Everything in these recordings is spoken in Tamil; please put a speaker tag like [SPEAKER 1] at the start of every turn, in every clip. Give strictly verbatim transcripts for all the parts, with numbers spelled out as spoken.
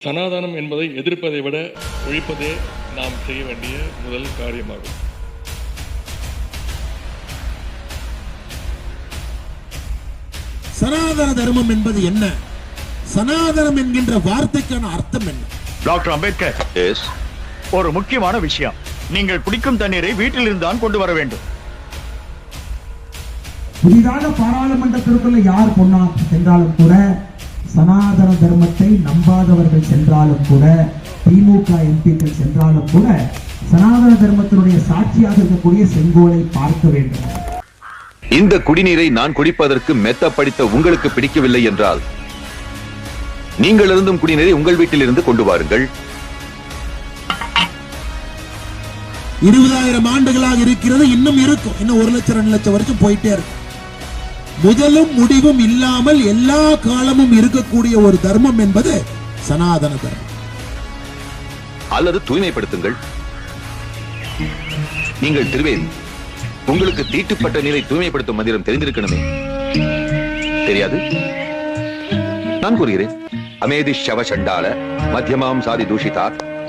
[SPEAKER 1] சனாதனம் என்பதை எதிர்ப்பதை விட ஒழிப்பதே நாம் செய்ய வேண்டிய முதல் காரியமாகும்.
[SPEAKER 2] சனாதன தர்மம் என்பது என்ன? சனாதனம் என்கின்ற வார்த்தைக்கான அர்த்தம் என்ன?
[SPEAKER 3] டாக்டர் அம்பேத்கர், ஒரு முக்கியமான விஷயம், நீங்கள் குடிக்கும் தண்ணீரை வீட்டில் இருந்தான் கொண்டு வர வேண்டும்.
[SPEAKER 4] புதிதாக பாராளுமன்றத்திற்குள்ள யார் பொன்னா சென்றாலும் கூட, சனாதன தர்மத்தை நம்பாதவர்கள் சென்றாலும் கூட, திமுக எம்பிக்கள் சென்றாலும் கூட, சனாதன தர்மத்தினுடைய சாட்சியாக இருக்கக்கூடிய செங்கோலை பார்க்க வேண்டும்.
[SPEAKER 5] இந்த குடிநீரை நான் குடிப்பதற்கு மெத்த படித்த உங்களுக்கு பிடிக்கவில்லை என்றால், நீங்கள் இருந்தும் குடிநீரை உங்கள் வீட்டில் இருந்து கொண்டு வாருங்கள்.
[SPEAKER 2] இருபதாயிரம் ஆண்டுகளாக இருக்கிறது, இன்னும் இருக்கும். இன்னும் ஒரு லட்சம் ரெண்டு லட்சம் வரைக்கும் போயிட்டே இருக்கும். முதலும் முடிவும் இல்லாமல் எல்லா காலமும் இருக்கக்கூடிய ஒரு தர்மம் என்பது சனாதன தர்மம்.
[SPEAKER 5] அல்லது தூய்மைப்படுத்துங்கள். நீங்கள் திருவேதி, உங்களுக்கு தீட்டுப்பட்ட நீரை தூய்மைப்படுத்தும் மந்திரம் தெரிந்திருக்கணுமே, தெரியாது? நான் கூறுகிறேன், அமேதி ஷவ சண்டால மத்தியமாம் சாதி தூஷிதா.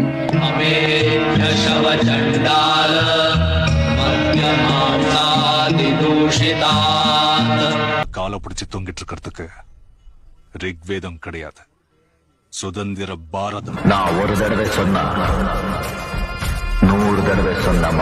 [SPEAKER 6] கால பிடிச்சு தொங்கிட்டு இருக்கிறதுக்கு ரிக்வேதம் கிடையாது, சுதந்திர பாரதம்.
[SPEAKER 7] நான் ஒரு தடவை சொன்னா நூறு தடவை சொன்ன